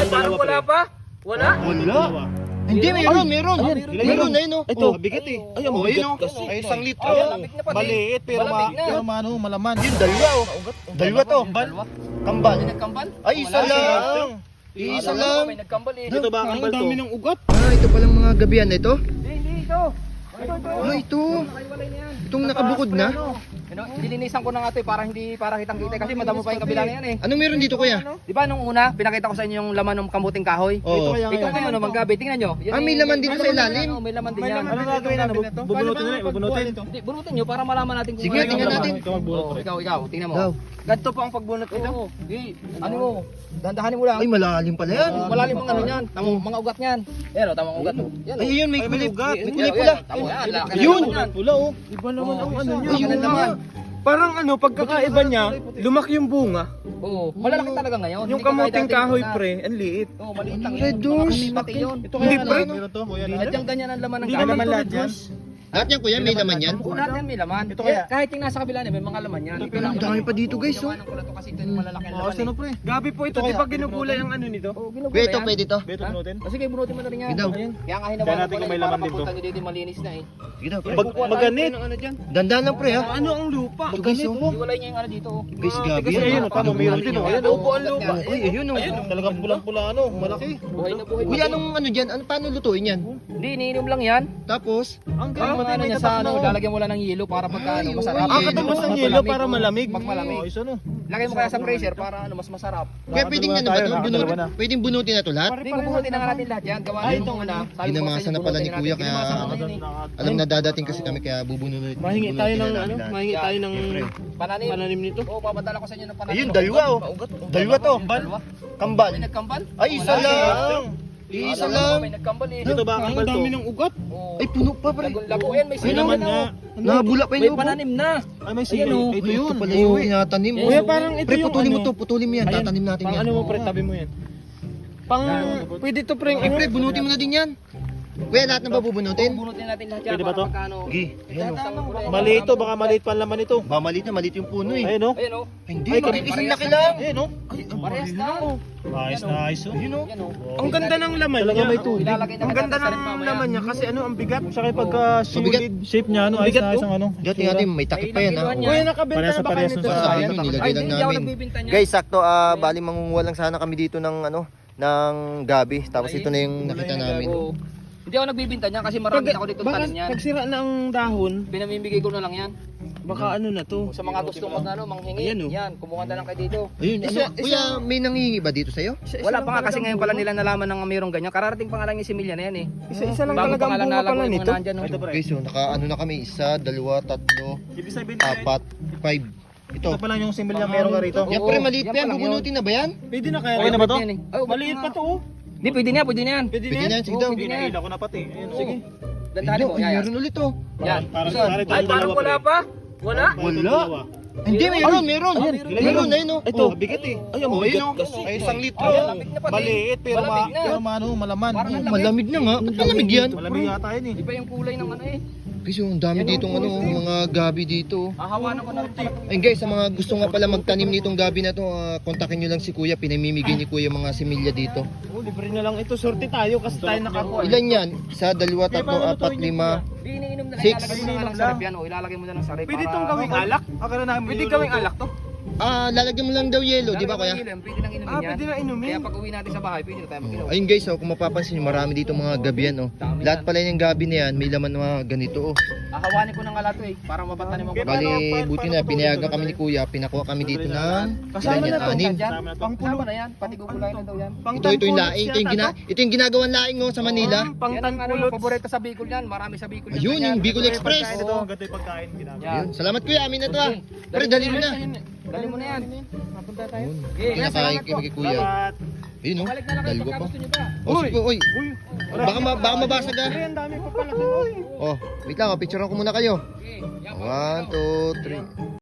Parang wala pa? Wala? Wala. Hindi, meron. Meron na yun, oh. Ito, bigat eh. Ay, ang Oh, bigat ayun, oh. kasi. Ay, 1 litro. Malamig na pati. Maliit pero Malamig na. malaman. Yun, dalawa, oh. Dalawa to. Kambal. May nagkambal? Ay, isa lang. Isa lang. May nagkambal eh. Ito ba ang dami ng ugat? Ah, ito palang mga gabihan na ito. Hindi, ito. Ah, ito. Nakaiwalay na yan. Itong nakabukod na. Dilinisan ko na nga ito eh, para kitang kita kasi madamo pa yung kabila na yan eh. Anong meron dito, kuya? Di ba nung una, pinakita ko sa inyo yung laman ng kambuting kahoy? Oo. Ito ngayon naman gabi, tingnan nyo. Ah, may laman dito sa ilalim. May laman din yan. Ano gagawin na? Bubunutin na bubunutin. Hindi, bunutin nyo para malaman natin kung Sige, tingnan natin. Ikaw magbunot. Ikaw, tingnan mo. Daw. Ganito po ang pagbunot nito. Oo, di, ano mo, dandahanin mo lang. Ay, malalim pala yan. Malalim ang ano niyan, tamang mga ugat niyan. Yan o, tamang ugat o. Yan o. Ay, yun, may Ay, may kulay. ugat. May kulay pula. Tamo yan, laki na Yun! naman yan. Pula oh. Iba naman ang ano niya. Ayun Laki na naman. Parang ano, pagkakaiba niya, lumaki yung bunga. Oo, malalaki talaga ngayon. Yung Hindi ka kamuting kahit kahoy dati pre, ang liit. Oo, maliit lang Red yan. doors. Hindi pati yun. Hindi pre. Sadyang ganyan ang laman ng Hindi gamit. naman lahat yan. Lahat yan, kuya, may laman yan. Oo, lahat yan may laman. Ito kaya? Kahit yung nasa kabila niya, may mga laman yan. Ang dami pa dito, guys, oh. Gawa ng kulat to kasi ito yung malalaki ang laman. pre. Gabi po ito, di ba ginugulay ang ano nito? Oo, ginugulay Kuya, ito, yan. pwede to. Beto bunutin. O sige, bunutin mo na rin yan. Yun daw. Kaya nga Kaya hinawalan natin ko kung may na laman para dito. papunta nyo dito malinis na eh. Sige daw. Maganit. Dandan lang, pre, ha. Ano ang lupa? Ito, guys, oh. Iwalay niya yung ano dito. Oh. Guys, gabi. Kasi ayun, tama, mayroon din oh. Ayan oh. Upo ang lupa. Ay, ayun, oh. Talagang pulang-pula ano, malaki. Buhay na buhay. Kuya, anong ano dyan? Ano, paano lutuin yan? Hindi, iniinom lang yan. Tapos, Ang Parang mga ano niya sa ano, lalagyan mo lang ng yelo para pagka ano, masarap. Ah, katumbas ng yelo para malamig. Pag malamig. Oh, isa no. Lagay mo kaya sa freezer para ano, mas masarap. kuya, pwedeng ano ba ito? Nakadalawa na. Pwedeng bunutin na to lahat? Hindi, bubunutin na nga natin lahat yan. Gawa nito muna. Ginamasa na pala ni kuya, kaya alam na dadating kasi kami, kaya bubunutin. Mahingi tayo ng ano, mahingi tayo ng Pananim. pananim nito. Oo, papadala ko sa inyo ng pananim. Ayun, dalawa, oh. Dalawa to. Dalawa. Kambal. May nagkambal? Ay, isa Wala. lang. Isa lang. May nagkambal eh. Dito ba ang Ang dami to? ng ugat. Oo. Ay, puno pa, pre. Labo yan, may May sinaw naman na. nga. Nabula pa May yung loob. pananim na. Ay may Ayan, sili. oh. Ito Ito yun. pala yung tinatanim. Yes. Kuya parang ito Pre, yung putulin mo yan. Ayan, Tatanim natin pang yan. ano mo pre, tabi mo yan. Pang pwede to pre. Ay, pre, bunutin mo na din yan. Kuya, lahat na ba bubunutin? Bubunutin natin lahat yan. Pwede ba para to? pagkano. Sige. Ayan, oh. Maliit to, baka maliit pa ang laman nito. Ba, maliit yung puno eh. Ayun oh. Ayan o. Ay, hindi, Ay, maliit. Isang parehas laki lang. Ayun oh. Parehas na. Nice, nice oh. Ayun, oh. Yan o. Ang ganda ng laman Talaga niya. may tubig. Ilalagay na Ang kita ganda sa rin ng mamaya. laman niya kasi ano ang bigat. Saka pagka Mabigat. solid shape niya ano, ayos Bigat na ayos to. ang ano. Dati natin, may takip pa yan ha. May Kuya nakabenta Parehas na ba kayo nito? Sa amin, nilagay Ay, lang hindi ako namin. nagbibinta niya. Guys, sakto, bali mangunguha lang sana kami dito ng ano, ng gabi. Tapos ito na yung nakita namin. Oo. Hindi ako nagbibinta niya kasi marami ako dito Baka tanim niyan. pag sira na ang dahon, Pinamimigay ko na lang yan. baka ano na to. Sa mga gusto manghingi, Ayan, oh. yan, kumuha na lang kayo dito. Ayun, ano, kuya, may nangingi ba dito sa'yo? Wala pa nga kasi ngayon pala nila nalaman ng mayroong ganyan. Kararating pa nga lang yung similya na yan eh. Isa lang Bago talaga pa nga ang lang bunga nalago pala yung nito. mga nandyan. Ito pre. Guys, naka ano na kami, 1, 2, 3, Ibig sabihin 4, 5. Ito. ito pa lang yung similya meron ka rito. Yan Oo, pre, maliit yan pa yan. pa lang Bubunutin na ba yan? Pwede na kaya? Okay na ba to? Maliit pa to oh. Hindi, pwede na yan. Pwede Pwede na yan, sige Oo, daw. pwede na yan. Pinahila ko na pati. Ayun oh. Sige. Dandahan mo, Ay, yan. meron ulit oh. Yan. Parang Saan? parang Ay, parang wala pa? Wala? Wala. Hindi, meron. Meron na yun oh. Ito, bigat eh. Ay, ang Oh, bigat ayun, oh. kasi. Ay, 1 litro. Malamig na pati. Maliit pero Malamig na. pero ano, malaman. Parang ang Malamig na nga. Ba't malamig yan? Malamig yata yun eh. Iba yung kulay ng ano eh. Guys, ang dami ditong ano, mga gabi dito. Hahawanan ko na rin pala. Ayun guys, sa mga gusto nga pala magtanim nitong gabi na to, kontakin nyo lang si Kuya. Pinamimigay ni Kuya mga similya dito. Oh, libre na lang ito. Sorte tayo kasi tayo nakakuha. Ilan yan? 1, 2, 3, 4, 5. Di iniinom na lang. Six. Ilalagay mo na lang sa rep yan. O, ilalagay mo na lang sa rep. Pwede itong gawing alak? Akala namin Pwede gawing alak to. Lalagyan mo lang daw yelo, di ba Kuya? Pwede nang inumin yan. pwede na inumin. Kaya pag uwi natin sa bahay, pwede na tayo mag-inom. Ayun guys, kung mapapansin nyo, marami dito mga gabi yan. Dami Lahat yan. pala yung gabi na yan, may laman mga ganito. Hahawanin ko ng alato eh. Para mapatanim ako. Bali, buti na, pinayagan kami ni Kuya, pinakuha kami dito ng Kasama ilan yan, na to. 6. Kasama na yan. Pati gugulay na daw yan. Ito yung laing, ito yung ginagawang laing oh, sa Manila. Pang Yan ang ano, tanpulot. paborito sa Bicol yan. Marami sa Bicol yan. Ayun, yung Bicol Express. Oo, ganito yung pagkain ginagawa. Ayun, salamat Kuya, amin na to ah. Pero dali mo na. Dali mo na yan. Papunta tayo. Ayun, Okay, pinakain kami kay Kuya. Salamat. Ayun oh, Balik na lang kayo dalawa pagka pa. gusto nyo pa. Oh, sige, oy. Uy, Baka mabasag ah. Pre, ang dami pa pala. Oh, wait lang, picturean ko muna kayo. Okay, yan. 1, 2, 3.